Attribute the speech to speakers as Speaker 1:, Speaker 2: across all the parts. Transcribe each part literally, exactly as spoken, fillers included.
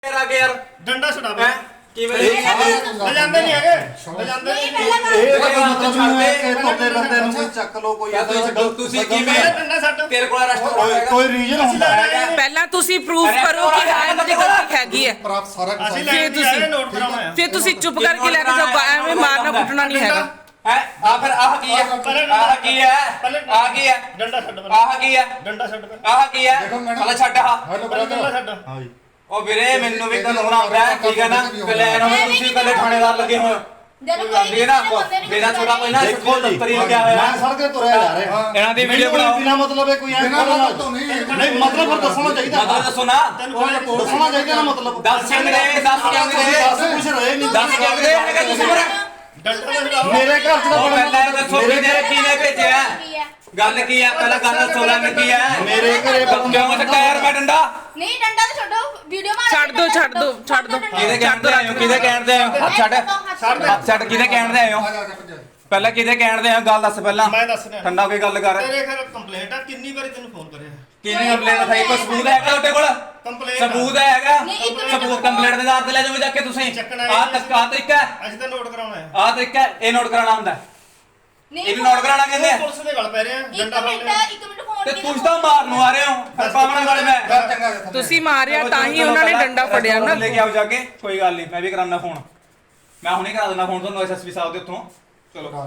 Speaker 1: आगे यार
Speaker 2: डंडा छुड़ा है
Speaker 1: किवें
Speaker 2: बजांदे नहीं है बजांदे नहीं
Speaker 3: ਇਹ ਤਾਂ ਮਤਲਬ ਨਹੀਂ ਹੈ ਕਿ ਤੁਹਾਡੇ ਬੰਦੇ ਨੂੰ ਕੋਈ ਚੱਕ ਲੋ ਕੋਈ
Speaker 1: या तो तुसी किवें
Speaker 2: डंडा छੱਡ
Speaker 1: तेरे कोल अरेस्ट होएगा
Speaker 3: ਕੋਈ ਰੀਜਨ ਹੁੰਦਾ ਹੈ
Speaker 4: ਪਹਿਲਾਂ ਤੁਸੀਂ ਪ੍ਰੂਫ ਕਰੋ ਕਿ ਹਾਂ ਇਹਨਾਂ ਦੀ ਗਲਤੀ ਹੈਗੀ ਹੈ
Speaker 3: ਪ੍ਰਾਪ ਸਾਰਾ ਕੁਝ
Speaker 2: ਅਸੀਂ
Speaker 4: ਫਿਰ
Speaker 2: ਲੈ
Speaker 4: ਤੁਸੀਂ-
Speaker 2: ਤੁਸੀਂ ਨੋਟ ਕਰਾਉਣਾ ਹੈ
Speaker 4: ਫਿਰ ਤੁਸੀਂ ਚੁੱਪ ਕਰਕੇ ਲੈ ਕੇ ਜਾਓ ਐਵੇਂ ਮਾਰਨਾ ਕੁੱਟਣਾ ਨਹੀਂ ਹੈਗਾ
Speaker 1: है आ फिर आह की है आह की है आ की है
Speaker 2: डंडा छੱਡ
Speaker 1: आह की है
Speaker 2: डंडा छੱਡ
Speaker 1: आह की है चल छੱਡ आ
Speaker 3: ਹੈਲੋ
Speaker 2: डंडा छੱਡ
Speaker 3: ਹਾਂ ਜੀ
Speaker 1: ਉਹ ਵੀਰੇ ਮੈਨੂੰ ਵੀ ਕਾਨੂੰਨ ਆਉਂਦਾ ਹੈ ਠੀਕ ਹੈ ਨਾ ਪਲਾਨ ਹੋਵੇ ਤੁਸੀਂ ਕੱਲੇ ਥਾਣੇਦਾਰ ਲੱਗੇ ਹੋਏ
Speaker 5: ਜਦੋਂ ਕੋਈ
Speaker 1: ਨਾ ਮੇਰਾ ਛੋਟਾ ਕੋਈ ਨਾ
Speaker 3: ਦੇਖੋ ਜੀ
Speaker 1: ਦਫ਼ਤਰੀ ਲੱਗਿਆ ਹੋਇਆ
Speaker 3: ਮੈਂ ਸੜਕ ਤੇ ਤੁਰਿਆ ਜਾ ਰਿਹਾ
Speaker 1: ਇਹਨਾਂ ਦੀ ਵੀਡੀਓ ਬਣਾਓ
Speaker 3: ਬਿਨਾ ਮਤਲਬ ਹੈ ਕੋਈ ਐਂ ਨਹੀਂ ਮਤਲਬ ਫਿਰ ਦੱਸਣਾ ਚਾਹੀਦਾ
Speaker 1: ਮਤਲਬ ਦੱਸੋ ਨਾ
Speaker 3: ਦੱਸਣਾ ਚਾਹੀਦਾ ਨਾ ਮਤਲਬ
Speaker 1: ਦੱਸ ਕਿੰਨੇ ਦੱਸ ਕਿੰਨੇ
Speaker 3: ਦੱਸ ਕੁਝ ਰਹੇ ਨਹੀਂ
Speaker 1: ਦੱਸ ਕਿੰਨੇ ਹੈਗਾ ਤੁਸੀਂ ਪਰ
Speaker 2: डंडा छुड़ाओ
Speaker 3: ਮੇਰੇ ਘਰ ਚ ਤਾਂ
Speaker 1: ਉਹ
Speaker 3: ਬੜਾ
Speaker 1: ਪਹਿਲਾਂ ਦੱਸੋ ਕਿਹਨੇ ਕਿਹਨੇ ਭੇਜਿਆ ਗੱਲ ਕੀ ਹੈ ਪਹਿਲਾਂ ਗੱਲ ਦੱਸੋ ਲੰਨ ਕੀ ਹੈ
Speaker 3: ਮੇਰੇ ਘਰੇ
Speaker 1: ਕਿਉਂ ਚੱਕਾ ਯਾਰ ਮੈਂ ਡੰਡਾ
Speaker 5: ਨਹੀਂ ਡੰਡਾ ਤਾਂ ਛੱਡੋ ਵੀਡੀਓ ਮਾਰ
Speaker 4: ਛੱਡ ਦਿਓ, ਛੱਡ ਦਿਓ, ਛੱਡ ਦਿਓ।
Speaker 1: ਕਿਹਦੇ ਕਹਿਣ ਤੇ ਆਏ ਹੋ ਕਿਹਦੇ ਕਹਿਣ ਤੇ ਆਏ ਹੋ ਹੱਥ ਛੱਡ ਹੱਥ ਛੱਡ ਕਿਹਦੇ ਕਹਿਣ ਤੇ ਆਏ ਹੋ ਪਹਿਲਾਂ ਕਿਹਦੇ ਕਹਿਣ ਤੇ ਆਏ ਹੋ ਗੱਲ ਦੱਸ ਪਹਿਲਾਂ
Speaker 2: ਮੈਂ ਦੱਸ ਰਿਹਾ
Speaker 1: ਠੰਡਾ ਹੋ ਕੇ ਗੱਲ ਕਰ
Speaker 2: ਤੇਰੇ ਘਰ ਕੰਪਲੇਂਟ ਆ ਕਿੰਨੀ ਵਾਰੀ ਤੈਨੂੰ ਫੋਨ ਕਰਿਆ
Speaker 1: ਕਿਹਨੇ ਕੰਪਲੇਂਟ ਲਿਖਾਈ ਕੋਈ ਸਬੂਤ ਹੈਗਾ ਤੁਹਾਡੇ ਕੋਲ
Speaker 2: ਕੰਪਲੇਂਟ
Speaker 1: ਸਬੂਤ ਹੈਗਾ
Speaker 5: ਨਹੀਂ, ਇੱਕ ਮਿੰਟ।
Speaker 1: ਸਬੂਤ ਕੰਪਲੇਂਟ ਦੇ ਆਧਾਰ ਤੇ ਲੈ ਜਾਓ ਜਾ ਕੇ ਤੁਸੀਂ
Speaker 2: ਚੱਕਣਾ
Speaker 1: ਆਹ ਤੱਕ ਆਹ ਤਰੀਕਾ ਹੈ
Speaker 2: ਅਸੀਂ ਤਾਂ ਨੋਟ ਕਰਾਉਣਾ ਹੈ
Speaker 1: ਆਹ ਤਰੀਕਾ ਹੈ, ਇਹ ਨੋਟ ਕਰਾਉਣਾ ਹੁੰਦਾ ਹੈ।
Speaker 5: ਨਹੀਂ
Speaker 1: ਇਹਨੂੰ ਨੋਟ ਕਰਾਉਣਾ ਕਹਿੰਦੇ
Speaker 2: ਉਹ
Speaker 1: ਆ
Speaker 2: ਪੁਲਿਸ ਦੇ ਗਲ ਪੈ ਰਹੇ ਆ
Speaker 5: ਇੱਕ
Speaker 2: ਡੰਡਾ ਫੜ
Speaker 5: ਮਿੰਟ
Speaker 2: ਲਿਆ
Speaker 5: ਇੱਕ ਮਿੰਟ ਫੋਨ
Speaker 1: ਤੇ ਤੁਸੀਂ ਤਾਂ ਮਾਰਨ ਨੂੰ ਆ ਰਹੇ ਹੋ ਪਾਵਣਾ ਵਾਲੇ ਮੈਂ
Speaker 3: ਚੰਗਾ
Speaker 4: ਤੁਸੀਂ ਮਾਰਿਆ ਤਾਂ ਹੀ ਉਹਨਾਂ ਨੇ ਡੰਡਾ ਫੜਿਆ ਨਾ
Speaker 1: ਲੈ ਕੇ ਆਓ ਜਾ ਕੇ ਕੋਈ ਗੱਲ ਨਹੀਂ ਮੈਂ ਵੀ ਕਰਾਉਣਾ ਫੋਨ ਮੈਂ ਹੁਣੇ ਕਰਾ ਦਿੰਦਾ ਫੋਨ ਤੁਹਾਨੂੰ ਐਸਐਸਪੀ ਸਾਹਿਬ ਦੇ ਉੱਥੋਂ ਚਲੋ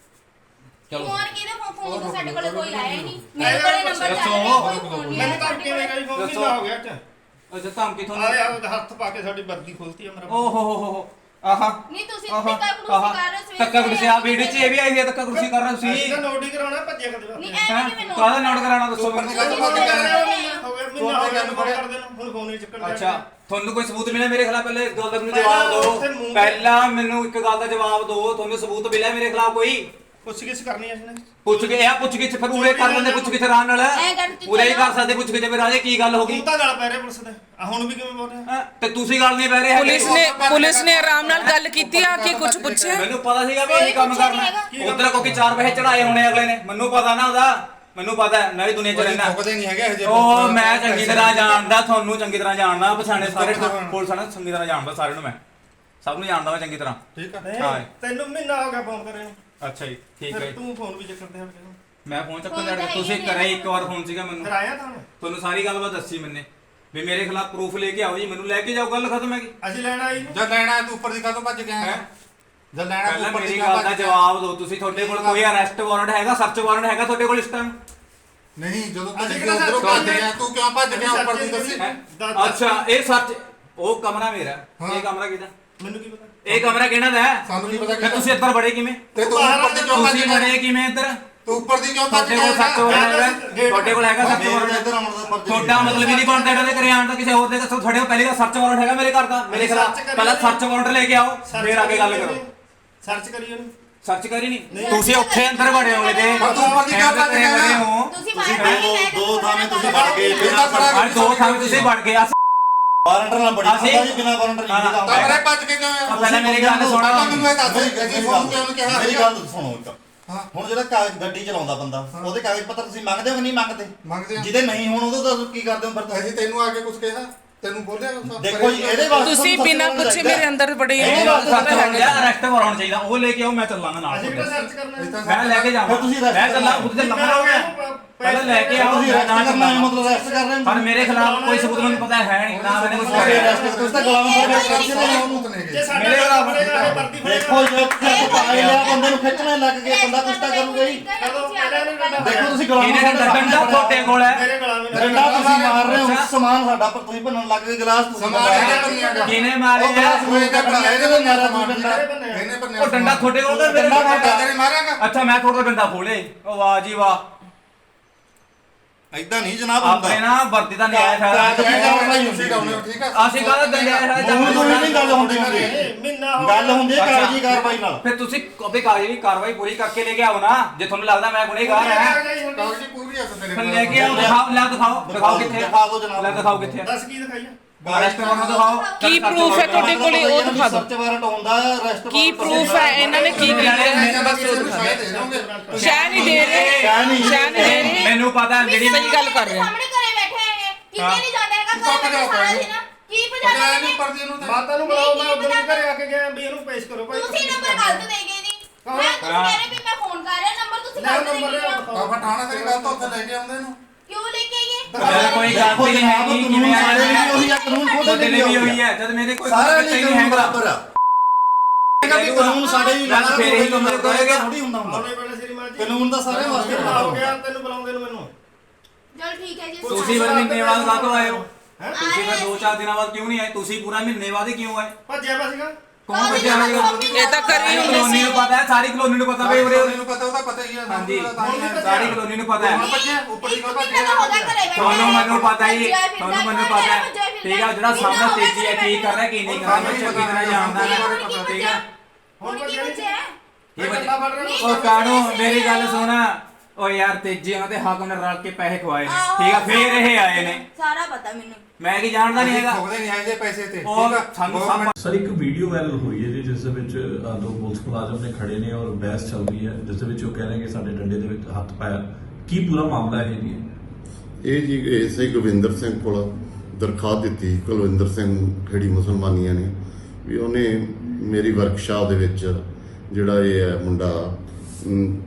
Speaker 1: ਚਲੋ
Speaker 5: ਫੋਨ ਕਿਹਦੇ ਫੋਨ ਫੋਨ ਤਾਂ ਸਾਡੇ ਕੋਲ ਕੋਈ ਆਇਆ ਹੀ ਨਹੀਂ ਮੇਰੇ ਕੋਲੇ ਨੰਬਰ ਚੱਲ ਰਿਹਾ ਕੋਈ ਫੋਨ ਨਹੀਂ
Speaker 2: ਮੈਨੂੰ
Speaker 5: ਆਇਆ
Speaker 2: ਤਾਂ
Speaker 5: ਸਾਡੇ
Speaker 2: ਕਿਵੇਂ
Speaker 5: ਕੋਲੇ
Speaker 2: ਕਰੀ ਫੋਨ
Speaker 1: ਦੱਸੋ।
Speaker 2: ਕਿੰਨਾ ਹੋ ਗਿਆ ਅੱਜ
Speaker 1: ਅੱਛਾ ਧਮਕੀ ਤੁਹਾਨੂੰ
Speaker 2: ਆਲੇ ਆ ਹੱਥ ਪਾ ਕੇ ਸਾਡੀ ਵਰਦੀ ਖੋਲਤੀ ਆ ਮੇਰਾ
Speaker 1: ਓ ਹੋ ਹੋ ਹੋ ਹੋ ਆਹਾ
Speaker 5: ਨਹੀਂ ਤੁਸੀਂ
Speaker 1: ਆਹਾ,
Speaker 5: ਧੱਕਾ
Speaker 1: ਆਹਾ।
Speaker 5: ਕੁਰਸੀ ਕਰ ਰਹੇ ਹੋ
Speaker 1: ਧੱਕਾ ਕੁਰਸੀ ਆ ਵੀਡੀਓ 'ਚ ਇਹ ਵੀ ਆਈ ਹੈ ਧੱਕਾ ਕੁਰਸੀ ਕਰ ਰਹੇ
Speaker 2: ਅਸੀਂ
Speaker 1: ਤੁਸੀਂ
Speaker 2: ਤਾਂ ਨੋਟ ਹੀ ਕਰਾਉਣਾ ਭੱਜਿਆ ਕਦੇ
Speaker 5: ਨਹੀਂ
Speaker 2: ਵਾਸਤੇ
Speaker 5: ਐ
Speaker 1: ਹੈਂ?
Speaker 5: ਕਿਵੇਂ ਨੋਟ
Speaker 1: ਕਾਹਦਾ ਨੋਟ ਕਰਾਉਣਾ ਦੱਸੋ ਮੈਨੂੰ
Speaker 5: ਤੁਸੀਂ
Speaker 2: ਹੋ ਗਿਆ
Speaker 5: ਬੋਲ ਰਹੇ
Speaker 2: ਮਹੀਨਾ
Speaker 5: ਹੋ।
Speaker 2: ਹੋ ਗਿਆ ਮਹੀਨਾ ਹੋ ਗਿਆ ਨੂੰ ਫੋਨ ਕਰਦੇ ਨੂੰ ਹੁਣ ਫੋਨ ਨਹੀਂ ਚੱਕਣ
Speaker 1: ਅੱਛਾ ਤੁਹਾਨੂੰ ਕੋਈ ਸਬੂਤ ਮਿਲਿਆ ਮੇਰੇ ਖਿਲਾਫ ਪਹਿਲੇ ਇਸ ਗੱਲ ਦਾ ਮੈਨੂੰ
Speaker 2: ਪਹਿਲਾਂ
Speaker 1: ਜਵਾਬ
Speaker 2: ਉੱਥੇ
Speaker 1: ਦਿਓ
Speaker 2: ਮੂੰਹ ਤੇ-
Speaker 1: ਪਹਿਲਾਂ ਮੈਨੂੰ ਇੱਕ ਗੱਲ ਦਾ ਜਵਾਬ ਦਿਓ ਤੁਹਾਨੂੰ ਸਬੂਤ ਮਿਲਿਆ ਮੇਰੇ ਖਿਲਾਫ ਕੋਈ
Speaker 2: ਪੁੱਛ ਗਿੱਛ ਕਰਨੀ ਅਸੀਂ ਨੇ
Speaker 1: ਪੁੱਛ ਕੇ ਇਹ ਪੁੱਛ ਕੇ ਫਿਰ ਉਰੇ ਕਰ ਲੈਂਦੇ ਪੁੱਛ ਕੇ ਆਰਾਮ ਨਾਲ
Speaker 5: ਐਂ ਕਰ ਤੂੰ
Speaker 1: ਉਰੇ ਹੀ ਕਰ
Speaker 5: ਚਲੋ।
Speaker 1: ਸਕਦੇ ਪੁੱਛ ਕੇ ਜੇ ਰਾਜੇ ਕੀ ਗੱਲ ਹੋ ਗਈ
Speaker 2: ਤੂੰ ਤਾਂ ਗਲ ਪੈ ਰਿਹਾ ਪੁਲਿਸ ਦੇ ਆ ਹੁਣ ਵੀ ਕਿਵੇਂ ਬੋਲ ਰਿਹਾ
Speaker 1: ਹੈਂ? ਤੇ ਤੁਸੀਂ ਗੱਲ ਨਹੀਂ ਪੈ ਰਹੇ ਹੈਗੇ।
Speaker 4: ਪੁਲਿਸ ਨੇ ਪੁਲਿਸ ਨੇ ਆਰਾਮ ਨਾਲ ਗੱਲ ਕੀਤੀ ਆ ਕਿ ਕੁਝ ਪੁੱਛਿਆ
Speaker 1: ਮੈਨੂੰ ਪਤਾ ਸੀਗਾ ਵੀ ਇਹ ਕੰਮ
Speaker 5: ਪੁੱਛਿਆ ਨੀ
Speaker 1: ਕਰਨਾ ਉਧਰ ਕੋਈ ਚਾਰ ਪੈਸੇ ਚੜਾਏ ਹੋਣੇ ਅਗਲੇ ਨੇ ਮੈਨੂੰ ਪਤਾ ਨਾ ਉਹਦਾ ਮੈਨੂੰ ਪਤਾ ਹੈ, ਮੈਂ ਵੀ ਦੁਨੀਆ 'ਚ ਰਹਿਣਾ
Speaker 3: ਮੁੱਕਦੇ ਨਹੀਂ ਹੈਗੇ ਹਜੇ
Speaker 1: ਉਹ ਮੈਂ ਚੰਗੀ ਤਰ੍ਹਾਂ ਜਾਣਦਾ ਤੁਹਾਨੂੰ ਚੰਗੀ ਤਰ੍ਹਾਂ ਜਾਣਦਾ ਪਛਾਣੇ ਸਾਰੇ ਪੁਲਿਸ ਵਾਲਿਆਂ ਨੂੰ ਚੰਗੀ ਤਰ੍ਹਾਂ ਜਾਣਦਾ ਸਾਰਿਆਂ ਨੂੰ ਮੈਂ ਸਭ ਨੂੰ ਜਾਣਦਾ ਮੈਂ ਚੰਗੀ ਤਰ੍ਹਾਂ
Speaker 3: ਠੀਕ ਆ
Speaker 1: ਹਾਂ।
Speaker 2: ਤੈਨੂੰ ਮਹੀਨਾ ਹੋ ਗਿਆ ਫੋਨ ਕਰੇ ਨੂੰ
Speaker 1: ਅੱਛਾ ਜੀ ਠੀਕ ਹੈ
Speaker 2: ਫਿਰ
Speaker 1: ਜੀ।
Speaker 2: ਤੂੰ ਫੋਨ ਵੀ ਚੱਕਦੇ ਹਟ ਗਿਆ
Speaker 1: ਮੈਂ ਫੋਨ ਚੱਕਣ
Speaker 5: ਫੋਨ
Speaker 1: ਜਾ
Speaker 5: ਤਾਂ
Speaker 1: ਤੁਸੀਂ
Speaker 5: ਹੈ ਹੀ
Speaker 1: ਕਰਿਆ
Speaker 5: ਨਹੀਂ
Speaker 1: ਇੱਕ ਵਾਰ ਫੋਨ ਸੀਗਾ ਮੈਨੂੰ
Speaker 2: ਫਿਰ ਆਇਆ ਤਾਂ ਹੁਣ
Speaker 1: ਤੁਹਾਨੂੰ ਸਾਰੀ ਗੱਲਬਾਤ ਦੱਸੀ ਮੈਨੇ ਵੀ ਮੇਰੇ ਖਿਲਾਫ ਪ੍ਰੂਫ ਲੈ ਕੇ ਆਓ ਜੀ ਮੈਨੂੰ ਲੈ ਕੇ ਜਾਓ ਗੱਲ ਖਤਮ ਹੈਗੀ
Speaker 2: ਅਸੀਂ ਲੈਣ ਆਈ ਨੂੰ
Speaker 3: ਜਦ ਲੈਣਾ ਤੂੰ ਉੱਪਰ ਦੀ ਕਾਹਤੋਂ ਭੱਜ ਗਿਆ
Speaker 1: ਹੈਂ?
Speaker 3: ਜਦ ਲੈਣਾ ਤੂੰ
Speaker 1: ਪਹਿਲਾਂ
Speaker 3: ਉੱਪਰ ਦੀ
Speaker 1: ਮੇਰੀ
Speaker 3: ਕਾਹਤੋਂ
Speaker 1: ਗੱਲ ਦਾ
Speaker 3: ਭੱਜ ਗਿਆ?
Speaker 1: ਜਵਾਬ ਦਿਓ ਤੁਸੀਂ ਤੁਹਾਡੇ ਕੋਲ ਕੋਈ ਅਰੈਸਟ ਵਾਰੰਟ ਹੈਗਾ ਸਰਚ ਵਾਰੰਟ ਹੈਗਾ ਤੁਹਾਡੇ ਕੋਲ ਇਸ ਟਾਈਮ
Speaker 3: ਨਹੀਂ ਜਦੋਂ
Speaker 2: ਅਸੀਂ
Speaker 3: ਤੱਕ
Speaker 2: ਕਿਹੜਾ
Speaker 3: ਉਧਰੋਂ
Speaker 2: ਸਰਚ
Speaker 3: ਭੱਜ ਗਿਆ ਤੂੰ ਕਿਉਂ ਭੱਜ ਗਿਆ ਉੱਪਰ ਦੀ ਦੱਸੀ
Speaker 1: ਹੈਂ?
Speaker 2: ਦੱਸ-
Speaker 1: ਅੱਛਾ ਇਹ ਸਰਚ ਉਹ ਕਮਰਾ ਮੇਰਾ
Speaker 3: ਹਾਂ।
Speaker 1: ਇਹ ਕਮਰਾ ਕਿਹਦਾ
Speaker 2: ਮੈਨੂੰ ਕੀ ਪਤਾ
Speaker 1: ਇਹ ਕਮਰਾ ਕਿਹਨਾਂ ਦਾ ਹੈ
Speaker 3: ਸਾਨੂੰ ਕੀ ਪਤਾ
Speaker 1: ਫਿਰ ਤੁਸੀਂ ਇੱਧਰ ਬੜੇ ਕਿਵੇਂ
Speaker 3: ਤੇ ਤੂੰ ਉੱਪਰ ਦੀ ਕਿਉਂ ਭੱਜ
Speaker 1: ਤੁਸੀਂ
Speaker 3: ਗਿਆ
Speaker 1: ਬੜੇ ਕਿਵੇਂ ਇੱਧਰ
Speaker 3: ਤੂੰ ਉੱਪਰ ਦੀ ਕਿਉਂ ਭੱਜ
Speaker 1: ਤੁਹਾਡੇ ਕੋਲ ਸੱਚ
Speaker 3: ਗਿਆ
Speaker 1: ਵਾਰੰਟ ਹੈਗਾ ਤੁਹਾਡੇ ਕੋਲ ਹੈਗਾ ਸੱਚ ਵਾਰੰਟ
Speaker 3: ਇੱਧਰ ਆਉਣ ਦਾ ਮਰਜ਼ੀ
Speaker 1: ਤੁਹਾਡਾ ਮਤਲਬ ਹੀ ਨਹੀਂ ਬਣਦਾ ਇਹਨਾਂ ਦੇ ਘਰੇ ਆਉਣ ਦਾ ਕਿਸੇ ਹੋਰ ਦੇ ਦੱਸੋ ਤੁਹਾਡੇ ਕੋਲ ਪਹਿਲੇ ਦਾ ਸਰਚ ਵਾਰੰਟ ਹੈਗਾ ਮੇਰੇ ਘਰ ਦਾ ਮੇਰੇ ਖਿਲਾਫ ਪਹਿਲਾਂ ਸਰਚ ਵਾਰੰਟ ਲੈ ਕੇ ਆਓ ਫਿਰ ਆ ਕੇ ਗੱਲ ਕਰੋ
Speaker 2: ਸਰਚ ਕਰੀ ਉਹਨੂੰ
Speaker 1: ਸਰਚ ਕਰੀ ਨਹੀਂ ਤੁਸੀਂ ਉੱਥੇ ਅੰਦਰ ਵੜੇ ਹੋਏ ਤੇ
Speaker 3: ਪਰ ਤੂੰ ਉੱਪਰ ਦੀ ਕਿਉਂ ਭੱਜ ਗਿਆ?
Speaker 5: ਤੁਸੀਂ ਬਾਹਰ ਨਹੀਂ
Speaker 3: ਦੋ ਥਾਵੇਂ ਤੁਸੀਂ ਵੜ ਗਏ ਬਿਨਾਂ
Speaker 1: ਅੱਜ ਦੋ ਥਾਂ ਤੁਸੀਂ ਵੜ ਗਏ ਅਸੀਂ
Speaker 3: ਵਾਰੰਟ ਨਾਲ ਬੜੀ
Speaker 1: ਅਸੀਂ-
Speaker 3: ਪਤਾ ਜੀ ਬਿਨਾਂ ਵਾਰੰਟ ਨਹੀਂ
Speaker 1: ਹਾਂ,
Speaker 3: ਦਾ
Speaker 1: ਹਾਂ।
Speaker 3: ਤਾਂ ਮੇਰੇ ਭੱਜ ਕੇ ਕਿਉਂ
Speaker 1: ਆ ਪਹਿਲਾਂ ਮੇਰੀ ਗੱਲ ਸੁਣੋ
Speaker 3: ਪਹਿਲਾਂ ਮੈਨੂੰ ਇਹ ਦੱਸ ਦੇ ਜੀ ਫੋਨ ਕਿਉਂ ਕਿਹਾ
Speaker 6: ਮੇਰੀ ਗੱਲ ਸੁਣੋ ਇੱਕ ਹੁਣ ਜਿਹੜਾ ਕਾਗਜ਼ ਗੱਡੀ ਚਲਾਉਂਦਾ ਬੰਦਾ ਉਹਦੇ ਕਾਗਜ਼ ਪੱਤਰ ਤੁਸੀਂ ਮੰਗਦੇ ਹੋ ਕਿ ਨਹੀਂ ਮੰਗਦੇ
Speaker 3: ਮੰਗਦੇ ਆ
Speaker 6: ਜਿਹਦੇ ਨਹੀਂ ਹੋਣ ਉਹਦਾ ਤੁਸੀਂ ਕੀ ਕਰਦੇ ਹੋ ਫਿਰ
Speaker 3: ਅਸੀਂ ਤੈਨੂੰ ਆ ਕੇ ਕੁਝ ਕਿਹਾ ਤੈਨੂੰ ਬੋਲਿਆ ਕੁਛ?
Speaker 6: ਦੇਖੋ ਜੀ ਇਹਦੇ ਵਾਸਤੇ
Speaker 4: ਤੁਸੀਂ ਬਿਨਾਂ ਪੁੱਛੇ ਮੇਰੇ ਅੰਦਰ ਬੜੇ
Speaker 1: ਇਹ ਗੱਲ ਸੱਚ ਹੈ ਅਰੈਸਟ ਵਾਰੰਟ ਚਾਹੀਦਾ ਉਹ ਲੈ ਕੇ ਆਓ ਮੈਂ ਚੱਲਾਂਗਾ ਨਾਲ
Speaker 2: ਅਸੀਂ ਕਿਹੜਾ
Speaker 1: ਤੁਹਾਡੇ।
Speaker 2: ਸਰਚ ਕਰਨਾ
Speaker 3: ਇਹ ਤਾਂ
Speaker 1: ਮੈਂ ਲੈ ਕੇ ਜਾਵਾਂ
Speaker 6: ਫਿਰ ਤੁਸੀਂ arrest
Speaker 1: ਮੈਂ ਚੱਲਾਂ ਖੁਦ ਤੇ ਲੰਮਾ ਹੋ ਗਿਆ ਪਹਿਲਾਂ ਲੈ ਕੇ ਆਓ
Speaker 6: ਤੁਸੀਂ
Speaker 1: ਮੈਂ
Speaker 6: ਅਰੈਸਟ
Speaker 1: ਨਾਲ
Speaker 6: ਕਰਨਾ ਹੈ
Speaker 1: ਚੱਲਾਂਗਾ
Speaker 6: ਮਤਲਬ ਅਰੈਸਟ ਕਰ ਰਹੇ ਹੋ
Speaker 1: ਪਰ ਮੇਰੇ ਖਿਲਾਫ ਕੋਈ ਸਬੂਤ ਮੈਨੂੰ ਪਤਾ ਹੈ ਨਹੀਂ ਨਾ ਮੈंने ਕੁਝ
Speaker 6: ਤੁਸੀਂ
Speaker 1: ਕਰਿਆ
Speaker 6: ਅਰੈਸਟ ਤੁਸੀਂ ਤਾਂ ਗੁਲਾਮ ਫੜ ਕੇ
Speaker 3: ਸਰਚ ਦੇ ਉਹਨੂੰ ਤਾਂ ਨਹੀਂ
Speaker 2: ਜੇ
Speaker 3: ਗਏ
Speaker 2: ਸਾਡੇ
Speaker 1: ਮੇਰੇ
Speaker 2: ਨਾਲ
Speaker 1: ਖਿਲਾਫ਼
Speaker 2: ਫੜੇਗਾ ਇਹ ਵਰਦੀ
Speaker 6: ਦੇਖੋ ਜੇ ਤੁਸੀਂ ਪਾਏ ਲਿਆ ਬੰਦੇ ਨੂੰ ਖਿੱਚਣੇ ਲੱਗ ਗਏ ਬੰਦਾ ਕੁਛ ਤਾਂ ਕਰੂਗਾ ਹੀ ਦੇਖੋ ਤੁਸੀਂ ਗੁਲਾਮ
Speaker 1: ਇਹਨੇ ਤਾਂ ਡੰਡਾ ਤੁਹਾਡੇ ਕੋਲ ਹੈ
Speaker 2: ਮੇਰੇ ਗੁਲਾਮੀ ਨਾਲ
Speaker 6: ਡੰਡਾ ਤੁਸੀਂ ਮਾਰ ਰਹੇ ਹੋ ਸਮਾਨ ਸਾਡਾ ਪਰ ਤੁਸੀਂ ਭੰਨਣ ਲੱਗ ਗਏ ਗਲਾਸ ਤੁਸੀਂ
Speaker 3: ਸਮਾਨ
Speaker 6: ਭੰਨਣ
Speaker 3: ਇਹਨੇ
Speaker 6: ਲੱਗ ਗਏ।
Speaker 3: ਭੰਨਿਆ ਗਾ।
Speaker 1: ਕਿਹਨੇ ਮਾਰੇ
Speaker 6: ਉਹ ਗਲਾਸ ਮੂੰਹ ਤੇ ਭੰਨਿਆ ਇਹਦੇ ਨਾਲ ਮਾਰਿਆ ਤੁਸੀਂ ਡੰਡਾ
Speaker 3: ਇਹਨੇ ਭੰਨਿਆ
Speaker 1: ਉਹ ਡੰਡਾ ਤੁਹਾਡੇ ਕੋਲ ਤਾਂ ਮੇਰੇ
Speaker 6: ਡੰਡਾ
Speaker 1: ਕੋਲ
Speaker 6: ਤੁਹਾਡਾ।
Speaker 3: ਤੇਰੇ ਮਾਰਾਂਗਾ
Speaker 1: ਅੱਛਾ ਮੈਂ ਤੁਹਾਡਾ ਡੰਡਾ ਖੋਲੇ ਉਹ ਵਾਹ ਜੀ ਵਾਹ
Speaker 6: ਏਦਾਂ ਨਹੀਂ ਜਨਾਬ ਹੁੰਦਾ
Speaker 1: ਆਪਣੇ ਨਾ ਵਰਦੀ ਦਾ ਨਿਆਇ
Speaker 6: ਕਾਗਜ਼
Speaker 1: ਹੈ
Speaker 6: ਦੀ ਕਾਰਵਾਈ ਹੁੰਦੀ
Speaker 3: ਤੁਸੀਂ ਡਾਉਨੇ ਹੋ, ਠੀਕ ਆ
Speaker 1: ਅਸੀਂ ਕਾਹਦਾ ਦੰਡਿਆ ਹੈ
Speaker 6: ਮੂੰਹ ਤੋਂ ਨਹੀਂ ਗੱਲ ਹੁੰਦੀ ਹੁੰਦੀ
Speaker 2: ਮਹੀਨਾ ਹੋ
Speaker 6: ਗੱਲ ਹੁੰਦੀ ਹੈ ਕਾਗਜ਼ੀ ਕਾਰਵਾਈ ਨਾਲ
Speaker 1: ਫਿਰ ਤੁਸੀਂ ਆਪਣੀ ਕਾਗਜ਼ੀ ਕਾਰਵਾਈ ਪੂਰੀ ਕਰਕੇ ਲੈ ਕੇ ਆਓ ਨਾ ਜੇ ਤੁਹਾਨੂੰ ਲੱਗਦਾ ਮੈਂ ਗੁਨੇਗਾਰ ਹਾਂ
Speaker 3: ਕਾਗਜ਼ੀ ਪੂਰੀ ਆ ਤੇਰੇ
Speaker 1: ਫਿਰ ਲੈ ਕੇ ਆਓ ਦਿਖਾਓ ਲੈ ਦਿਖਾਓ ਦਿਖਾਓ ਕਿੱਥੇ
Speaker 6: ਦਿਖਾ ਦਿਓ ਜਨਾਬ।
Speaker 1: ਲੈ ਦਿਖਾਓ ਕਿੱਥੇ
Speaker 2: ਦੱਸ ਕੀ ਦਿਖਾਈਆ
Speaker 1: ਅਰੈਸਟ ਵਾਰੰਟ ਦਿਖਾਓ
Speaker 4: ਕੀ ਪ੍ਰੂਫ ਹੈ ਤੁਹਾਡੇ ਕੋਲੇ ਉਹ ਦਿਖਾ ਦਿਓ
Speaker 6: ਸਰਚ ਵਾਰੰਟ ਹੁੰਦਾ ਅਰੈਸਟ
Speaker 4: ਕੀ ਪ੍ਰੂਫ ਹੈ ਇਹਨਾਂ ਨੇ ਕੀ ਕੀਤਾ ਹੈ ਬਸ ਉਹ ਦਿਖਾ ਦਿਓ ਸ਼ਹਿ ਨਹੀਂ ਦੇ ਰਹੇ
Speaker 6: ਸ਼ਹਿ ਨਹੀਂ
Speaker 4: ਸ਼ਹਿ ਨਹੀਂ ਦੇ ਰਹੇ
Speaker 1: ਮੈਨੂੰ ਪਤਾ ਜਿਹੜੀ
Speaker 4: ਸਹੀ ਗੱਲ ਕਰ ਰਹੇ ਹਾਂ।
Speaker 5: ਸਾਹਮਣੇ ਘਰੇ ਬੈਠੇ ਹੈਗੇ ਕਿਤੇ ਨਹੀਂ ਜਾਂਦਾ ਹੈਗਾ
Speaker 3: ਤੂੰ
Speaker 5: ਘਰੇ
Speaker 3: ਤਾਂ
Speaker 5: ਬੈਠੇ ਸਾਰਾ ਦਿਨ ਕੀ ਭਜਾ
Speaker 3: ਪਜਾਇਆ
Speaker 5: ਦੇਣੇ
Speaker 3: ਨਹੀਂ ਪਰਦੀ ਨੂੰ ਤੇ
Speaker 2: ਮਾਤਾ ਨੂੰ ਬੁਲਾਓ, ਮੈਂ ਉਦੋਂ ਵੀ ਘਰੇ ਆ ਕੇ ਗਿਆ ਵੀ ਇਹਨੂੰ ਪੇਸ਼ ਕਰੋ ਭਾਈ।
Speaker 5: ਤੁਸੀਂ ਨੰਬਰ ਗਲਤ ਦੇ ਗਏ ਜੀ ਮੈਂ ਤੁਸੀਂ ਕਹਿ ਰਹੇ ਵੀ ਮੈਂ ਫੋਨ ਕਰ ਰਿਹਾ ਨੰਬਰ ਤੁਸੀਂ
Speaker 2: ਲੈ
Speaker 5: ਗਲਤ ਦੇ
Speaker 2: ਨੰਬਰ
Speaker 5: ਗਏ ਹੋ
Speaker 3: ਬਾਬਾ ਠਾਣਾ ਤੇਰੀ ਗੱਲ ਤੋਂ ਉੱਥੇ ਲੈ ਕੇ ਆਉਂਦੇ ਨੂੰ
Speaker 5: ਕਿਉਂ ਲੈ ਕੇ ਆਈਏ
Speaker 1: ਜਦ ਕੋਈ ਗਲਤੀ ਨਹੀਂ ਹੈਗੀ ਕਿਵੇਂ
Speaker 6: ਸਾਡੇ
Speaker 1: ਆਇਆ
Speaker 6: ਲਈ ਉਹੀ ਆ ਕਾਨੂੰਨ ਖੁਦ
Speaker 1: ਤੁਹਾਡੇ ਲਈ ਵੀ
Speaker 6: ਨਹੀਂ
Speaker 1: ਹੋਈ ਹੈ ਜਦ ਮੇਰੇ ਕੋਈ
Speaker 6: ਸਾਰੇ
Speaker 1: ਗਲਤੀ
Speaker 6: ਲਈ
Speaker 1: ਨਹੀਂ
Speaker 6: ਕਾਨੂੰਨ
Speaker 1: ਹੈਗਾ
Speaker 6: ਬਰਾਬਰ ਆ ਕਿ ਕਾਨੂੰਨ ਸਾਡੇ ਵੀ
Speaker 1: ਗੱਲ ਫੇਰ ਇਹੀ ਕੰਮ ਕਰੇਗਾ।
Speaker 6: ਥੋੜੀ ਹੁੰਦਾ ਹੁੰਦਾ
Speaker 2: ਆਉਣੇ ਵਾਲੇ ਸ਼੍ਰੀਮਾਨ ਜੀ
Speaker 6: ਕਾਨੂੰਨ ਤਾਂ ਸਾਰੇ ਵਾਸਤੇ
Speaker 2: ਕਿੰਨਾ ਹੋ ਗਿਆ ਤੈਨੂੰ ਬੁਲਾਉਂਦੇ ਨੂੰ ਮੈਨੂੰ?
Speaker 5: ਚਲ ਠੀਕ ਹੈ ਜੀ
Speaker 1: ਤੁਸੀਂ ਫਿਰ ਮਹੀਨੇ ਬਾਅਦ ਕਾਹਤੋਂ ਆਏ ਹੋ
Speaker 2: ਹੈਂ?
Speaker 1: ਤੁਸੀਂ ਫਿਰ ਦੋ ਚਾਰ ਦਿਨਾਂ ਬਾਅਦ ਕਿਉਂ ਨਹੀਂ ਆਏ ਤੁਸੀਂ ਪੂਰਾ ਮਹੀਨੇ ਬਾਅਦ ਹੀ ਕਿਉਂ ਆਏ
Speaker 2: ਭੱਜਿਆ ਵਾ ਸੀਗਾ।
Speaker 1: ਕੌਣ ਬੱਚਿਆ ਹੋਇਆ
Speaker 4: ਇਹ ਤਾਂ ਕਰੀ ਹੁੰਦੀ
Speaker 1: ਕਲੋਨੀ
Speaker 4: ਸੀ
Speaker 1: ਨੂੰ ਪਤਾ ਹੈ ਸਾਰੀ ਕਲੋਨੀ ਨੂੰ ਪਤਾ ਵੀ ਉਰੇ
Speaker 3: ਨੂੰ ਪਤਾ ਉਹਦਾ ਪਤਾ ਹੀ ਆ
Speaker 1: ਹਾਂਜੀ
Speaker 3: ਤਾਂ ਹੀ ਆ।
Speaker 1: ਸਾਰੀ ਕਲੋਨੀ ਨੂੰ ਪਤਾ ਹੈ
Speaker 3: ਬੱਚੇ ਉੱਪਰ ਹੀ
Speaker 5: ਇੱਕ ਮਹੀਨਾ ਹੋ ਗਿਆ ਘਰੇ ਬੈਠੇ
Speaker 1: ਤੁਹਾਨੂੰ ਮੈਨੂੰ ਪਤਾ ਹੀ
Speaker 5: ਭੱਜਿਆ ਫਿਰਦਾ,
Speaker 1: ਤੁਹਾਨੂੰ ਮੈਨੂੰ
Speaker 5: ਘਰੇ
Speaker 1: ਪਤਾ ਹੈ
Speaker 5: ਭੱਜਿਆ ਫਿਰਦਾ।
Speaker 1: ਠੀਕ ਹੈ ਜਿਹੜਾ ਸਾਹਮਣੇ ਤੇਜੀ ਹੈ ਕੀ ਕਰ ਰਿਹਾ ਕੀ ਨਹੀਂ ਕਰ ਰਿਹਾ ਮੈਂ ਚੰਗੀ ਤਰ੍ਹਾਂ ਜਾਣਦਾ ਮੈਂ ਠੀਕ ਹੈ
Speaker 5: ਹੁਣ ਕੀ ਬਚਿਆ
Speaker 1: ਇਹ
Speaker 2: ਗੱਲਾਂ
Speaker 1: ਬੱਚੇ
Speaker 2: ਫੜ ਰਹੇ ਹੋ।
Speaker 1: ਉਹ ਕਾਣੋ ਮੇਰੀ ਗੱਲ ਸੁਣ ਓ ਯਾਰ ਤੇਜੀ ਉਹਨਾਂ ਤੇ ਹਾਕਮ ਨੇ ਰਲ ਕੇ ਪੈਸੇ ਖਵਾਏ ਨੇ ਠੀਕ ਆ ਫੇਰ ਇਹ ਆਏ ਨੇ
Speaker 5: ਸਾਰਾ ਪਤਾ ਮੈਨੂੰ
Speaker 1: ਮੈਂ ਕੀ ਜਾਣਦਾ ਨਹੀਂ ਹੈਗਾ
Speaker 3: ਠੋਕਦੇ ਨਹੀਂ ਆਏ ਪੈਸੇ ਤੇ
Speaker 1: ਉਹ
Speaker 3: ਠੀਕ ਆ
Speaker 1: ਸਾਨੂੰ
Speaker 3: ਗੌਰਮੈਂਟ
Speaker 1: ਸਭ
Speaker 7: ਸਰ ਇੱਕ ਵੀਡੀਓ ਵਾਇਰਲ ਹੋਈ ਹੈ ਜੀ ਜਿਸ ਦੇ ਵਿੱਚ ਅ, ਦੋ ਪੁਲਿਸ ਮੁਲਾਜ਼ਮ ਨੇ ਖੜੇ ਨੇ ਔਰ ਬਹਿਸ ਚੱਲ ਰਹੀ ਹੈ ਜਿਸ ਦੇ ਵਿੱਚ ਉਹ ਕਹਿ ਰਹੇ ਨੇ ਕਿ ਸਾਡੇ ਡੰਡੇ ਦੇ ਵਿੱਚ ਹੱਥ ਪਾਇਆ ਕੀ ਪੂਰਾ ਮਾਮਲਾ ਹੈ ਜੀ
Speaker 8: ਇਹ ਜੀ ਐਸਆਈ ਗੋਬਿੰਦਰ ਸਿੰਘ ਕੋਲ ਦਰਖਾਸਤ ਦਿੱਤੀ ਕੁਲਵਿੰਦਰ ਸਿੰਘ ਖੇੜੀ ਮੁਸਲਮਾਨੀਆਂ ਨੇ ਵੀ ਉਹਨੇ ਮੇਰੀ ਵਰਕਸ਼ਾਪ ਦੇ ਵਿੱਚ ਜਿਹੜਾ ਇਹ ਹੈ ਮੁੰਡਾ ਅਮ,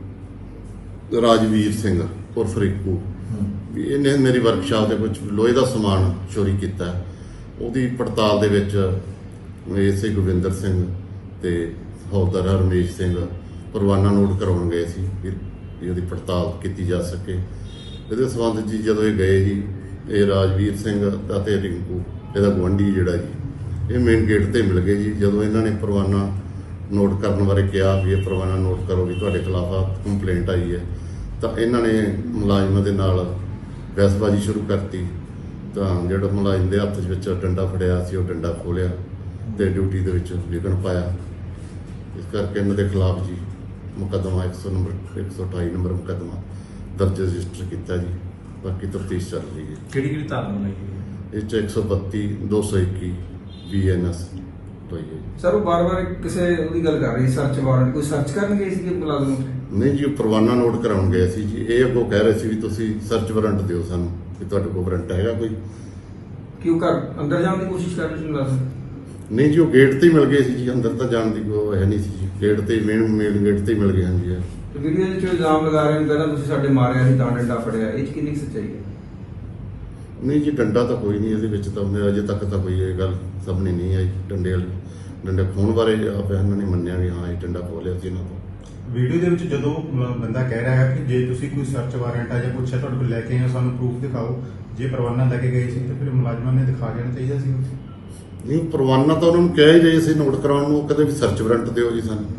Speaker 8: ਰਾਜਵੀਰ ਸਿੰਘ ਉਰਫ ਰਿੰਕੂ ਵੀ ਇਹਨੇ ਮੇਰੀ ਵਰਕਸ਼ਾਪ ਦੇ ਵਿੱਚ ਲੋਹੇ ਦਾ ਸਮਾਨ ਚੋਰੀ ਕੀਤਾ ਉਹਦੀ ਪੜਤਾਲ ਦੇ ਵਿੱਚ ਐਸਆਈ ਗੋਬਿੰਦਰ ਸਿੰਘ ਤੇ ਹੌਲਦਾਰ ਰਮੇਸ਼ ਸਿੰਘ ਪਰਵਾਨਾ ਨੋਟ ਕਰਾਉਣ ਗਏ ਸੀ ਵੀ ਉਹਦੀ ਪੜਤਾਲ ਕੀਤੀ ਜਾ ਸਕੇ ਇਹਦੇ ਸੰਬੰਧ ਜੀ ਜਦੋਂ ਇਹ ਗਏ ਜੀ ਇਹ ਰਾਜਵੀਰ ਸਿੰਘ ਅਤੇ ਰਿੰਕੂ ਇਹਦਾ ਗੁਆਂਢੀ ਜਿਹੜਾ ਜੀ ਇਹ ਮੇਨ ਗੇਟ ਤੇ ਮਿਲ ਗਏ ਜੀ ਜਦੋਂ ਇਹਨਾਂ ਨੇ ਪਰਵਾਨਾ ਨੋਟ ਕਰਨ ਬਾਰੇ ਕਿਹਾ ਵੀ ਇਹ ਪਰਵਾਨਾ ਨੋਟ ਕਰੋ ਵੀ ਤੁਹਾਡੇ ਖਿਲਾਫ ਆ ਕੰਪਲੇਂਟ ਆਈ ਹੈ ਤਾਂ ਇਹਨਾਂ ਨੇ ਮੁਲਾਜ਼ਮਾਂ ਦੇ ਨਾਲ ਬਹਿਸਬਾਜ਼ੀ ਸ਼ੁਰੂ ਕਰਤੀ ਤਾਂ ਜਿਹੜਾ ਮੁਲਾਜ਼ਮ ਦੇ ਹੱਥ ਵਿੱਚ ਡੰਡਾ ਫੜਿਆ ਸੀ ਉਹ ਡੰਡਾ ਖੋਲਿਆ ਤੇ ਡਿਊਟੀ ਦੇ ਵਿੱਚ ਵਿਘਨ ਪਾਇਆ ਇਸ ਕਰਕੇ ਇਹਨਾਂ ਦੇ ਖਿਲਾਫ ਜੀ ਮੁਕੱਦਮਾ ਇੱਕ ਸੌ ਨੰਬਰ ਇੱਕ ਸੌ ਅਠਾਈ ਨੰਬਰ ਮੁਕੱਦਮਾ ਦਰਜ ਰਜਿਸਟਰ ਕੀਤਾ ਜੀ ਬਾਕੀ ਤਫਤੀਸ਼ ਚੱਲ ਰਹੀ ਹੈ
Speaker 7: ਕਿਹੜੀ ਕਿਹੜੀ ਧਾਰਨਾ ਲਈ ਹੈ
Speaker 8: ਇਹ 'ਚ ਇੱਕ ਸੌ ਬੱਤੀ ਦੋ ਸੌ ਇੱਕੀ ਬੀ ਐਨ ਐਸ ਹੋਈ ਹੈ ਜੀ।
Speaker 9: ਸਰ ਉਹ ਬਾਰ-ਬਾਰ ਕਿਸੇ ਉਹਦੀ ਗੱਲ ਕਰ ਰਹੀ ਸਰਚ ਵਾਰੰਟ ਕੋਈ ਸਰਚ ਕਰਨ ਗਏ ਸੀ ਕਿ ਮੁਲਾਜ਼ਮ
Speaker 8: ਨਹੀਂ ਜੀ ਉਹ ਪਰਵਾਨਾ ਨੋਟ ਕਰਾਉਣ ਗਏ ਸੀ ਜੀ ਇਹ ਅੱਗੋਂ ਕਹਿ ਰਹੇ ਸੀ ਵੀ ਤੁਸੀਂ ਸਰਚ ਵਾਰੰਟ ਦਿਓ ਸਾਨੂੰ ਵੀ ਤੁਹਾਡੇ ਕੋਲ ਵਾਰੰਟ ਹੈਗਾ ਕੋਈ
Speaker 9: ਕਿਉਂ ਘਰ ਅੰਦਰ ਜਾਣ ਦੀ ਕੋਸ਼ਿਸ਼ ਕਰ ਰਹੇ ਸੀ ਮੁਲਾਜ਼ਮ
Speaker 8: ਨਹੀਂ ਜੀ ਉਹ ਗੇਟ ਤੇ ਹੀ ਮਿਲ ਗਏ ਸੀ ਜੀ ਅੰਦਰ ਤਾਂ ਜਾਣ ਦੀ ਕੋਈ ਹੈ ਨਹੀਂ ਸੀ ਜੀ ਗੇਟ ਤੇ ਮੇਨ ਮੇਨ ਗੇਟ ਤੇ ਹੀ ਮਿਲ ਗਏ ਹਾਂ ਜੀ ਇਹ।
Speaker 9: ਤੇ ਵੀਡੀਓ ਦੇ ਵਿੱਚ ਇਲਜ਼ਾਮ ਲਗਾ ਰਹੇ ਨੇ ਕਹਿੰਦਾ ਤੁਸੀਂ ਸਾਡੇ ਮਾਰਿਆ ਸੀ ਤਾਂ ਡੰਡਾ ਫੜਿਆ ਇਹ 'ਚ ਕਿੰਨੀ ਕੁ ਸੱਚਾਈ ਹੈ
Speaker 8: ਨਹੀਂ ਜੀ ਡੰਡਾ ਤਾਂ ਕੋਈ ਨਹੀਂ ਇਹਦੇ ਵਿੱਚ ਤਾਂ ਉਹਨੇ ਅਜੇ ਤੱਕ ਤਾਂ ਕੋਈ ਇਹ ਗੱਲ ਸਾਹਮਣੇ ਨਹੀਂ ਆਈ ਡੰਡੇ ਵਾਲੀ ਡੰਡੇ ਖੋਣ ਬਾਰੇ ਆਪ ਇਹਨਾਂ ਨੇ ਮੰਨਿਆ ਵੀ ਹਾਂ ਇਹ ਡੰਡਾ ਖੋਲਿਆ ਸੀ ਇਹਨਾਂ ਤੋਂ
Speaker 10: ਵੀਡੀਓ ਦੇ ਵਿੱਚ ਜਦੋਂ ਮ- ਬੰਦਾ ਕਹਿ ਰਿਹਾ ਹੈ ਕਿ ਜੇ ਤੁਸੀਂ ਕੋਈ ਸਰਚ ਵਾਰੰਟ ਆ ਜਾਂ ਪੁੱਛਿਆ ਤੁਹਾਡੇ ਕੋਲ ਲੈ ਕੇ ਆਏ ਹੋ ਸਾਨੂੰ ਪ੍ਰੂਫ ਦਿਖਾਓ ਜੇ ਪਰਵਾਨਾ ਲੈ ਕੇ ਗਏ ਸੀ ਤਾਂ ਫਿਰ ਮੁਲਾਜ਼ਮਾਂ ਨੇ ਦਿਖਾ ਦੇਣਾ ਚਾਹੀਦਾ ਸੀ
Speaker 8: ਨਹੀਂ ਪਰਵਾਨਾ ਤਾਂ ਉਹਨਾਂ ਨੂੰ ਕਿਹਾ ਹੀ ਜੇ ਸੀ ਨੋਟ ਕਰਾਉਣ ਨੂੰ ਕਦੇ ਵੀ ਸਰਚ ਵਾਰੰਟ ਦਿਓ ਜੀ ਸਾਨੂੰ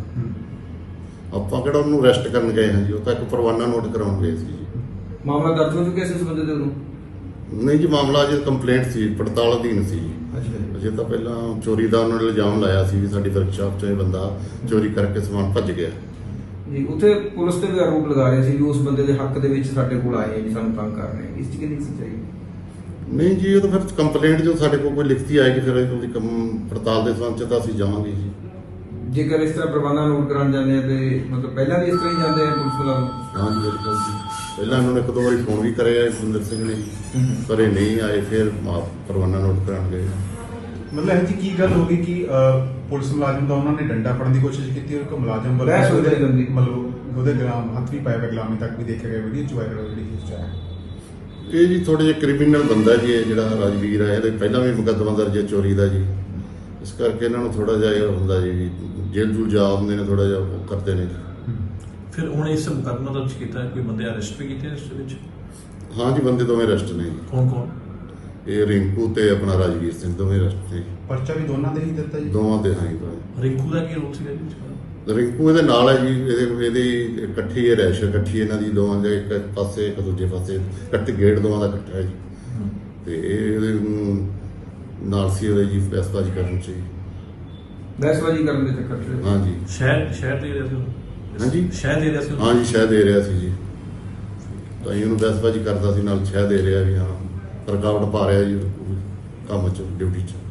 Speaker 8: ਆਪਾਂ ਕਿਹੜਾ ਉਹਨੂੰ ਅਰੈਸਟ ਕਰਨ ਗਏ ਹਾਂ ਜੀ ਉਹ ਤਾਂ ਇੱਕ ਪਰਵਾਨਾ ਨੋਟ ਕਰਾਉਣ ਗਏ ਸੀ ਜੀ
Speaker 9: ਮਾਮਲਾ ਦਰਜ ਹੋ ਚੁੱਕਿਆ ਸੀ ਉਸ ਬੰਦੇ ਦੇ ਵੱਲੋਂ
Speaker 8: ਨਹੀਂ ਜੀ ਮਾਮਲਾ ਅਜੇ ਕੰਪਲੇਂਟ ਸੀ ਪੜਤਾਲ ਅਧੀਨ ਸੀ
Speaker 9: ਅੱਛਾ
Speaker 8: ਅਜੇ ਤਾਂ ਪਹਿਲਾਂ ਚੋਰੀ ਦਾ ਉਹਨਾਂ ਨੇ ਇਲਜ਼ਾਮ ਲਾਇਆ ਸੀ ਵੀ ਸਾਡੀ ਵਰਕਸ਼ਾਪ 'ਚੋਂ ਇਹ ਬੰਦਾ ਚੋਰੀ ਕਰਕੇ ਸਮਾਨ ਭੱਜ ਗਿਆ
Speaker 9: ਜੀ ਉੱਥੇ ਪੁਲਿਸ ਤੇ ਵੀ ਆਰੋਪ ਲਗਾ ਰਹੇ ਸੀ ਵੀ ਉਸ ਬੰਦੇ ਦੇ ਹੱਕ ਦੇ ਵਿੱਚ ਸਾਡੇ ਕੋਲ ਆਏ ਆ ਜੀ ਸਾਨੂੰ ਤੰਗ ਕਰ ਰਹੇ ਆ ਇਸ 'ਚ ਕਿੰਨੀ ਕੁ ਸੱਚਾਈ ਹੈ
Speaker 8: ਨਹੀਂ ਜੀ ਇਹ ਤਾਂ ਫਿਰ ਕੰਪਲੇਂਟ ਜੋ ਸਾਡੇ ਕੋਲ ਕੋਈ ਲਿਖਤੀ ਆਏਗੀ ਫਿਰ ਉਹਦੀ ਕੰਮ ਪੜਤਾਲ ਦੇ ਸੰਬੰਧ 'ਚ ਤਾਂ ਅਸੀਂ ਜਾਵਾਂਗੇ ਜੀ
Speaker 9: ਜੇਕਰ ਇਸ ਤਰ੍ਹਾਂ ਪ੍ਰਬੰਧਾਂ ਨੋਟ ਕਰਾਉਣ ਜਾਂਦੇ ਆ ਤੇ ਮਤਲਬ ਪਹਿਲਾਂ ਵੀ ਇਸ ਤਰ੍ਹਾਂ ਹੀ ਜਾਂਦੇ ਆ ਪੁਲਿਸ ਮੁਲਾਜ਼ਮ
Speaker 8: ਹਾਂ ਜੀ ਬਿਲਕੁਲ ਜੀ ਪਹਿਲਾਂ ਉਹਨਾਂ ਨੇ ਇੱਕ ਦੋ ਵਾਰੀ ਫੋਨ ਵੀ ਕਰਿਆ ਸੁੰਦਰ ਸਿੰਘ ਨੇ ਜੀ ਪਰ ਇਹ ਨਹੀਂ ਆਏ ਫਿਰ ਮਾਫ ਪਰਵਾਨਾ ਨੋਟ ਕਰਾਉਣ ਗਏ
Speaker 10: ਮਤਲਬ ਇਹ ਜੀ ਕੀ ਗੱਲ ਹੋ ਗਈ ਕਿ ਅਹ, ਪੁਲਿਸ ਮੁਲਾਜ਼ਮ ਦਾ ਉਹਨਾਂ ਨੇ ਡੰਡਾ ਫੜਨ ਦੀ ਕੋਸ਼ਿਸ਼ ਕੀਤੀ ਔਰ ਇੱਕ ਮੁਲਾਜ਼ਮ ਵੱਲੋਂ
Speaker 9: ਬਹਿਸ ਹੋਈ ਬੜੀ ਗੰਦੀ।
Speaker 10: ਮਤਲਬ ਉਹਦੇ ਗਲਾਮ ਹੱਥ ਵੀ ਪਾਇਆ ਹੋਇਆ ਗੁਲਾਮੀ ਤੱਕ ਵੀ ਦੇਖਿਆ ਗਿਆ ਵੀਡੀਓ ਚ ਵਾਇਰਲ ਹੋਈ ਜਿਹੜੀ ਚੀਜ਼ ਚ ਆਇਆ
Speaker 8: ਇਹ ਜੀ ਥੋੜੇ ਜਿਹਾ ਕ੍ਰਿਮੀਨਲ ਬੰਦਾ ਜੀ ਇਹ ਜਿਹੜਾ ਰਾਜਵੀਰ ਹੈ ਇਹਦੇ ਪਹਿਲਾਂ ਵੀ ਮੁਕੱਦਮਾ ਦਰਜ ਹੈ ਚੋਰੀ ਦਾ ਜੀ ਇਸ ਕਰਕੇ ਇਹਨਾਂ ਨੂੰ ਥੋੜਾ ਜਿਹਾ ਇਹ ਹੁੰਦਾ ਜੀ ਵੀ ਜੇਲ੍ਹ ਜੂਲ ਜਾ ਹੁੰਦੇ ਨੇ ਥੋੜਾ ਜਿਹਾ ਉਹ ਕਰਦੇ ਨੇ ਜੀ
Speaker 7: ਫਿਰ ਹੁਣ ਇਸ ਮੁਕੱਦਮਾ ਦਰਜ ਕੀਤਾ ਹੈ, ਕੋਈ ਬੰਦੇ ਅਰੈਸਟ ਵੀ ਕੀਤੇ ਇਸ ਵਿੱਚ
Speaker 8: ਹਾਂ ਜੀ ਬੰਦੇ ਦੋਵੇਂ ਅਰੈਸਟ ਨੇ ਜੀ
Speaker 7: ਕੌਣ ਕੌਣ
Speaker 8: ਇਹ ਰਿੰਕੂ ਤੇ ਆਪਣਾ ਰਾਜਵੀਰ ਸਿੰਘ ਦੋਵੇਂ ਅਰੈਸਟ ਨੇ ਜੀ
Speaker 10: ਪਰਚਾ ਵੀ ਦੋਨਾਂ ਦੇ ਹੀ ਦਿੱਤਾ ਜੀ
Speaker 8: ਦੋਵਾਂ ਦੇ ਹਾਂ ਜੀ ਦੋਵੇਂ।
Speaker 7: ਰਿੰਕੂ ਦਾ ਕੀ ਰੋਲ ਸੀਗਾ ਜੀ
Speaker 8: ਰਿੰਕੂ ਇਹਦੇ ਨਾਲ ਹੈ ਜੀ ਇਹਦੇ ਇਹਦੀ ਇਕੱਠੀ ਹੈ ਰੈਸ਼ ਇਕੱਠੀ ਇਹਨਾਂ ਦੀ ਦੋਵਾਂ ਦੇ ਇੱਕ ਪਾਸੇ ਇੱਕ ਦੂਜੇ ਪਾਸੇ ਇਕੱਠੇ ਗੇਟ ਦੋਵਾਂ ਦਾ ਇਕੱਠਾ ਹੈ ਜੀ ਤੇ ਇਹ ਇਹਦੇ ਨੂੰ ਨਾਲ ਸੀ ਉਹਦੇ ਜੀ ਬਹਿਸਬਾਜ਼ੀ ਕਰਨ ਚ ਜੀ
Speaker 9: ਬਹਿਸਬਾਜ਼ੀ ਕਰਨ ਦੇ ਚੱਕਰ 'ਚ
Speaker 8: ਹਾਂ ਜੀ
Speaker 7: ਸ਼ਹਿਰ ਸ਼ਹਿਰ ਦੇ ਰਿਹਾ ਸੀ ਉਹਨੂੰ?
Speaker 8: ਹਾਂਜੀ
Speaker 7: ਸ਼ਹਿਰ ਦੇ ਰਿਹਾ ਸੀ ਉਹਨੂੰ?
Speaker 8: ਹਾਂ ਜੀ ਸ਼ਹਿ ਦੇ ਰਿਹਾ ਸੀ ਜੀ ਤਾਂ ਇਹਨੂੰ ਬਹਿਸਬਾਜ਼ੀ ਕਰਦਾ ਸੀ ਨਾਲ ਸ਼ਹਿ ਦੇ ਰਿਹਾ ਵੀ ਹਾਂ ਰੁਕਾਵਟ ਪਾ ਰਿਹਾ ਜੀ ਕੰਮ ਚ ਡਿਊਟੀ ਚ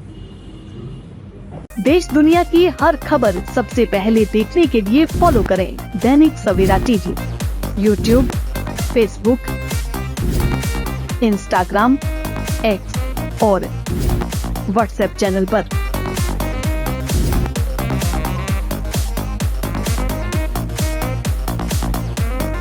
Speaker 11: देश दुनिया की हर खबर सबसे पहले देखने के लिए फॉलो करें Dainik Savera TV, YouTube, Facebook, Instagram, X और व्हाट्सएप चैनल पर।